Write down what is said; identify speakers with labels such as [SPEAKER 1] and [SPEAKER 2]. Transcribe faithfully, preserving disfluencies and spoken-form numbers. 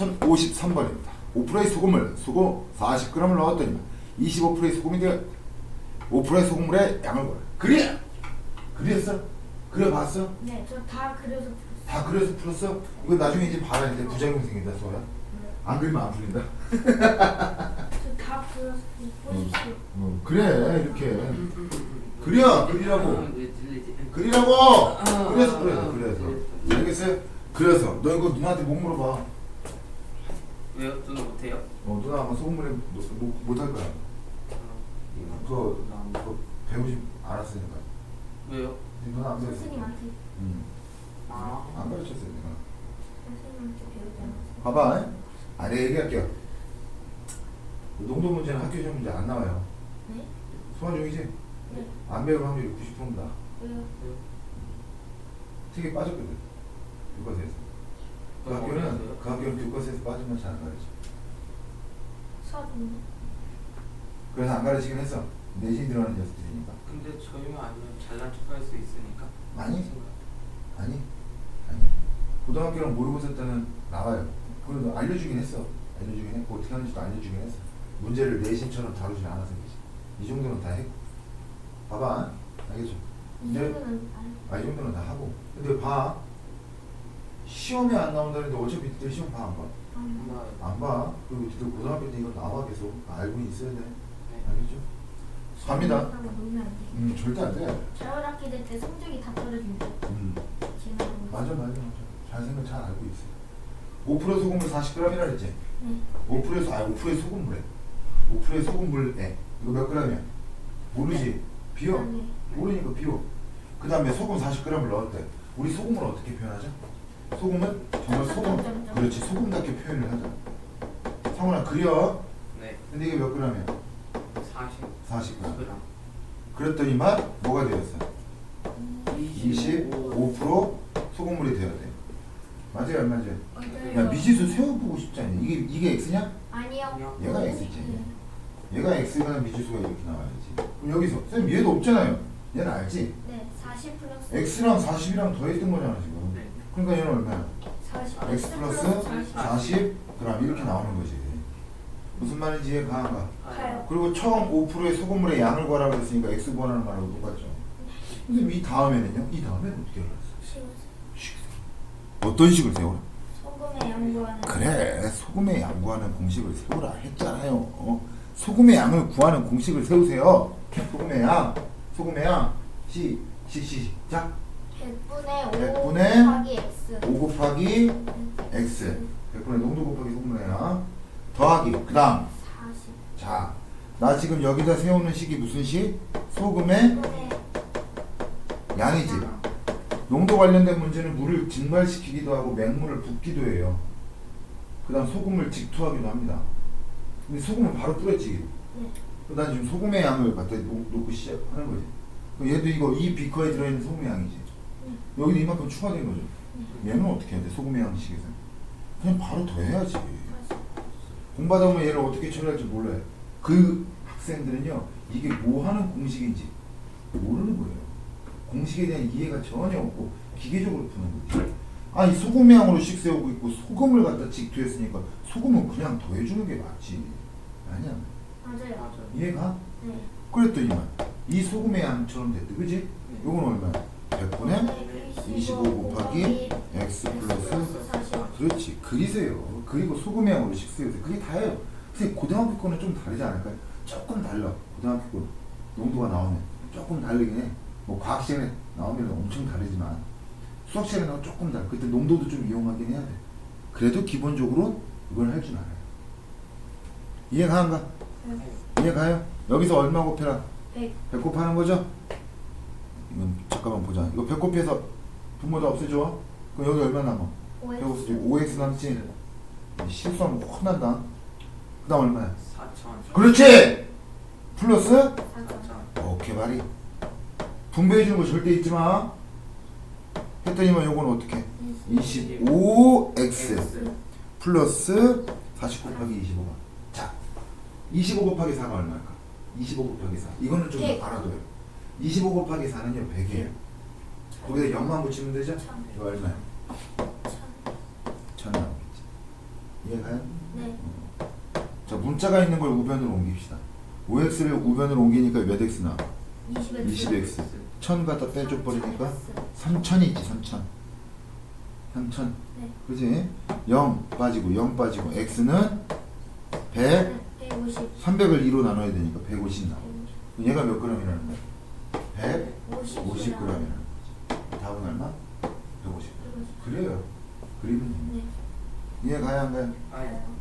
[SPEAKER 1] 천오십삼 번입니다. 오 퍼센트의 소금을 소금 사십 그램을 넣었더니 이십오 퍼센트의 소금이 되어 오 퍼센트의 소금물의 양을 구하라. 그래! 그렸어? 그려봤어?
[SPEAKER 2] 네, 저 다 그려서 풀었어요.
[SPEAKER 1] 다 그려서 풀었어? 이거 나중에 이제 봐라. 이제 부작용 생긴다, 소야. 안 그리면 안 풀린다.
[SPEAKER 2] 저 다 그려서 보십시오.
[SPEAKER 1] 어, 그래, 이렇게. 그려! 그리라고! 그리라고! 그래서 그래서 그래서. 알겠어요? 그래서 너 이거 누나한테 못 물어봐.
[SPEAKER 3] 왜요? 누나 못해요?
[SPEAKER 1] 어, 누나 아마 소금물에 못, 못할 거야. 그거, 그거 배우지 않았으니까.
[SPEAKER 3] 왜요?
[SPEAKER 1] 누나 안 배웠어.
[SPEAKER 2] 선생님한테
[SPEAKER 1] 응.
[SPEAKER 3] 아,
[SPEAKER 1] 안 가르쳤어요, 내가.
[SPEAKER 2] 선생님한테 배우지 않았어요.
[SPEAKER 1] 봐봐. 아, 내가 얘기할게요. 농도 문제는 학교 시험 문제 안 나와요.
[SPEAKER 2] 네?
[SPEAKER 1] 소환 중이지?
[SPEAKER 2] 네.
[SPEAKER 1] 안 배울 확률이 구십 퍼센트다.
[SPEAKER 2] 왜요?
[SPEAKER 1] 책에 빠졌거든. 교과서에서. 그 학교는, 그 학교는 교과서에서 빠지면 잘 안 가르쳐.
[SPEAKER 2] 수업은요?
[SPEAKER 1] 그래서 안 가르치긴 했어. 내신 들어가는 녀석들이니까.
[SPEAKER 3] 근데 저희만 아니면 잘난 척할 수 있으니까.
[SPEAKER 1] 아니.
[SPEAKER 3] 생각.
[SPEAKER 1] 아니. 아니. 고등학교랑 모의고사 때는 나와요. 그래도 알려주긴 했어. 알려주긴 했고, 어떻게 하는지도 알려주긴 했어. 문제를 내신처럼 다루진 않아서 그렇지. 이 정도는 다 했고. 봐봐. 알겠죠?
[SPEAKER 2] 이
[SPEAKER 1] 네.
[SPEAKER 2] 정도는 알.
[SPEAKER 1] 아, 이 정도는 다 하고. 근데 봐. 시험에 안 나온다는데 어차피 니들 시험 봐, 안 봐?
[SPEAKER 2] 안
[SPEAKER 3] 엄마,
[SPEAKER 1] 안 봐. 그리고 니들 고등학교 때 이거 나와 계속. 알고는 있어야 돼.
[SPEAKER 3] 네.
[SPEAKER 1] 알겠죠? 갑니다.
[SPEAKER 2] 하고 놀면 안 돼.
[SPEAKER 1] 음, 절대 안 돼.
[SPEAKER 2] 자율 학기 될 때 성적이 다 떨어진대.
[SPEAKER 1] 음.
[SPEAKER 2] 지금
[SPEAKER 1] 맞아, 맞아, 맞아. 잘 생각 잘 알고 있어. 오 퍼센트 소금물 사십 그램이라 그랬지?
[SPEAKER 2] 네.
[SPEAKER 1] 오 퍼센트, 아, 오 퍼센트 소금물에. 오 퍼센트 소금물에. 이거 몇 그램이야? 모르지? 비워.
[SPEAKER 2] 아, 네.
[SPEAKER 1] 모르니까 비워. 그 다음에 소금 사십 그램을 넣었대. 우리 소금을 어떻게 표현하죠? 소금은 정말 소금,
[SPEAKER 2] 점점점점.
[SPEAKER 1] 그렇지, 소금답게 표현을 하자. 성훈아, 그려.
[SPEAKER 3] 네.
[SPEAKER 1] 근데 이게 몇 그램이야?
[SPEAKER 3] 사십.
[SPEAKER 1] 사십 그램.
[SPEAKER 3] 그럼.
[SPEAKER 1] 그랬더니만 뭐가 되었어? 이십오 퍼센트 소금물이 되어야 돼. 맞아요, 안 맞아요?
[SPEAKER 2] 맞아요.
[SPEAKER 1] 야, 미지수 세워보고 싶지 않냐? 이게, 이게 X냐?
[SPEAKER 2] 아니요.
[SPEAKER 1] 얘가 X지.
[SPEAKER 2] 네.
[SPEAKER 1] 얘가 X가 미지수가 이렇게 나와야지. 그럼 여기서, 선생님 얘도 없잖아요. 얘는 알지?
[SPEAKER 2] 네. 사십 플러스
[SPEAKER 1] X랑 사십이랑 더했던 거잖아, 지금.
[SPEAKER 3] 네.
[SPEAKER 1] 그러니까 얘는 얼마야?
[SPEAKER 2] 사십
[SPEAKER 1] X 플러스
[SPEAKER 2] 사십.
[SPEAKER 1] 사십 그램 이렇게 나오는 거지. 무슨 말인지 이해가 안 가?
[SPEAKER 2] 가요.
[SPEAKER 1] 그리고 처음 오 퍼센트의 소금물의 양을 구하라고 했으니까 X 구하라는 말하고 똑같죠. 선생님 이 다음에는요? 이 다음에는 어떻게 알았어?
[SPEAKER 2] 십.
[SPEAKER 1] 어떤 식을 세우라?
[SPEAKER 2] 소금에 양보하는.
[SPEAKER 1] 그래, 소금의 양 구하는 공식을 세우라 했잖아요. 어? 소금의 양을 구하는 공식을 세우세요. 소금의 양, 소금의 양, 시, 시, 시, 시작.
[SPEAKER 2] 백분의 오
[SPEAKER 1] 백분의
[SPEAKER 2] 곱하기 x.
[SPEAKER 1] 오 곱하기 X. 백분의 농도 곱하기 소금의 양. 더하기, 그 다음.
[SPEAKER 2] 사십.
[SPEAKER 1] 자, 나 지금 여기다 세우는 식이 무슨 식? 소금의
[SPEAKER 2] 분의
[SPEAKER 1] 양이지. 농도 관련된 문제는 물을 증발시키기도 하고 맹물을 붓기도 해요. 그 다음 소금을 직투하기도 합니다. 근데 소금은 바로 뿌렸지.
[SPEAKER 2] 네.
[SPEAKER 1] 난 지금 소금의 양을 갖다 놓, 놓고 시작하는 거지. 그럼 얘도 이거 이 비커에 들어있는 소금의 양이지.
[SPEAKER 2] 네.
[SPEAKER 1] 여기도 이만큼 추가된 거죠.
[SPEAKER 2] 네.
[SPEAKER 1] 얘는 어떻게 해야 돼? 소금의 양식에서. 그냥 바로 더해야지.
[SPEAKER 2] 사십.
[SPEAKER 1] 공부하다 보면 얘를 어떻게 처리할지 몰라요. 그 학생들은요, 이게 뭐 하는 공식인지 모르는 거예요. 공식에 대한 이해가 전혀 없고 기계적으로 푸는 거지. 아, 이 소금의 양으로 식 세우고 있고 소금을 갖다 직투했으니까 소금은 그냥 더해주는 게 맞지. 아니야.
[SPEAKER 2] 맞아요.
[SPEAKER 3] 맞아요.
[SPEAKER 1] 이해가?
[SPEAKER 2] 네.
[SPEAKER 1] 그랬더니만 이 소금의 양처럼 됐대. 그지? 요건 얼마야? 백분의 이십오 곱하기 x 플러스
[SPEAKER 2] 사십.
[SPEAKER 1] 그렇지. 그리세요. 그리고 소금의 양으로 식 세우세요. 그게 다예요. 근데 고등학교 거는 좀 다르지 않을까요? 조금 달라. 고등학교 거 농도가 나오면 조금 다르긴 해. 뭐 과학 시간에 나오면 엄청 다르지만 수학 시간에 나오면 조금 달라. 그때 농도도 좀 이용하긴 해야 돼. 그래도 기본적으로 이걸 할 줄 알아요. 이해가는가?
[SPEAKER 2] 네.
[SPEAKER 1] 이해가요? 여기서 얼마 곱해라?
[SPEAKER 2] 백.
[SPEAKER 1] 백 곱하는 거죠? 이건 잠깐만 보자. 이거 백 곱해서 분모 다 없애줘. 그럼 여기 얼마 남아? 백 없애줘. 오 엑스 남지? 실수하면 혼난다. 그 다음 얼마야?
[SPEAKER 3] 사천.
[SPEAKER 1] 그렇지! 플러스?
[SPEAKER 3] 사천.
[SPEAKER 1] 오케이 말이. 분배해주는 거 절대 잊지 마. 했더니만 요거는 어떻게? 이십오 엑스 플러스 사십 곱하기 이십오가. 자, 이십오 곱하기 사가 얼마일까? 이십오 곱하기 사. 이거는 좀
[SPEAKER 2] 백.
[SPEAKER 1] 알아둬요. 이십오 곱하기 사는요, 백이에요. 거기다 영만 붙이면 되죠?
[SPEAKER 2] 천.
[SPEAKER 1] 이거 얼마야?
[SPEAKER 2] 천.
[SPEAKER 1] 천 나오겠지. 이해가요?
[SPEAKER 2] 네.
[SPEAKER 1] 자, 문자가 있는 걸 우변으로 옮깁시다. 오 엑스를 우변으로 옮기니까 몇 x 나?
[SPEAKER 2] 이십 엑스.
[SPEAKER 1] 이십 엑스. 천 갖다 빼줘 버리니까 삼천이지, 삼천. 삼천.
[SPEAKER 2] 네.
[SPEAKER 1] 그지? 영 빠지고 영 빠지고 x는 백,
[SPEAKER 2] 백오십.
[SPEAKER 1] 삼백을 이로 나눠야 되니까 백오십 나와. 얘가 몇 g이라는 거야? 백오십
[SPEAKER 2] 오십.
[SPEAKER 1] g이라는 거야. 답은 얼마? 백오십. 그래요. 그리면 됩니다.
[SPEAKER 2] 네.
[SPEAKER 1] 이해 가야 안 가요?
[SPEAKER 3] 아예